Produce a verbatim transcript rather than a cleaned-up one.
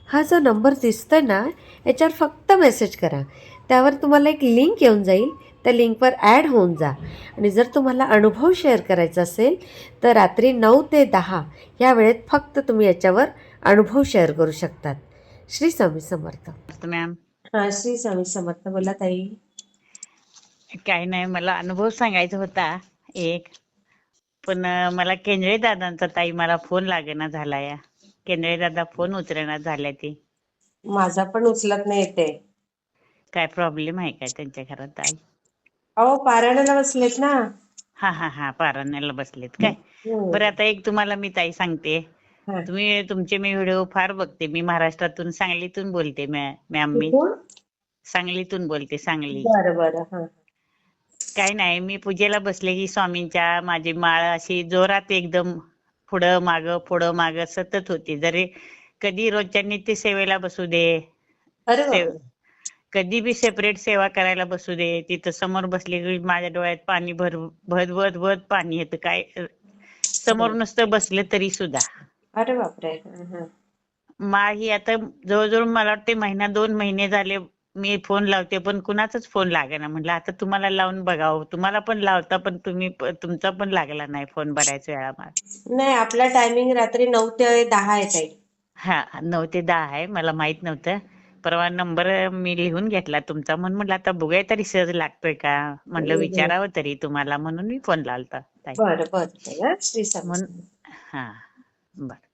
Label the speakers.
Speaker 1: हा जो नंबर दिसतोय ना, याच्यावर फक्त मेसेज करा. त्यावर तुम्हाला एक लिंक येऊन जाईल. त्या लिंकवर ॲड होऊन जा आणि जर तुम्हाला अनुभव शेअर करायचा असेल तर रात्री नऊ ते दहा या वेळेत फक्त तुम्ही याच्यावर अनुभव शेअर करू शकतात. श्री स्वामी समर्थ.
Speaker 2: मॅम
Speaker 1: हा, श्री स्वामी समर्थ. बोला ताई.
Speaker 2: काही नाही, मला अनुभव सांगायचा होता एक. पण अं, मला केंद्रे दादांचा ताई मला फोन लागेना झालाय. केंद्रे दादा फोन उचलना झाल्या ती.
Speaker 1: माझा पण उचलत नाही येते.
Speaker 2: काय प्रॉब्लेम आहे काय त्यांच्या घरात ताई?
Speaker 1: अहो, पारायणाला बसलेत ना.
Speaker 2: हा हा हा पारायणाला बसलेत काय?
Speaker 1: हम्म.
Speaker 2: बरं, आता एक तुम्हाला मी ताई सांगते.
Speaker 1: हा.
Speaker 2: तुम्ही तुमचे मी व्हिडिओ फार बघते. मी महाराष्ट्रातून सांगलीतून बोलते मॅम. मी
Speaker 1: कुठून?
Speaker 2: सांगलीतून बोलते, सांगली.
Speaker 1: बरं बरं. हा.
Speaker 2: काय नाही, मी पूजेला बसले की स्वामींच्या माझी माळ अशी जोरात एकदम पुढं माग पुढं माग सतत होती. जरी कधी रोजच्या नित्य सेवेला बसू दे,
Speaker 1: अरे
Speaker 2: सेव
Speaker 1: बापरे.
Speaker 2: कधी बी सेपरेट सेवा करायला बसू दे, तिथं समोर बसले की माझ्या डोळ्यात पाणी भर भद भद भद पाणी येतं. काय समोर नुसतं बसले तरी सुद्धा.
Speaker 1: अरे बापरे. हा, हा.
Speaker 2: माळ ही आता जवळजवळ मला वाटते महिना दोन महिने झाले मी फोन लावते, पण कुणाचाच फोन लागेना. म्हटलं आता तुम्हाला लावून बघावं. तुम्हाला पण लावता, पण तुम्ही प- तुमचा पण लागला नाही फोन बऱ्याच वेळा मला.
Speaker 1: नाही, आपला टायमिंग रात्री नऊ ते दहा आहे ताई.
Speaker 2: हा, नऊ ते दहा आहे. मला माहित नव्हतं. परवा नंबर मी लिहून घेतला तुमचा, म्हणून म्हटलं आता बघूया तरी सहज लागतोय का, म्हटलं विचारावं तरी तुम्हाला, म्हणून मी फोन लावता ताई.
Speaker 1: बरं बरं ताई. हा, श्री स्वामी
Speaker 2: म्हणून
Speaker 1: समर्थ.
Speaker 2: हा, बर.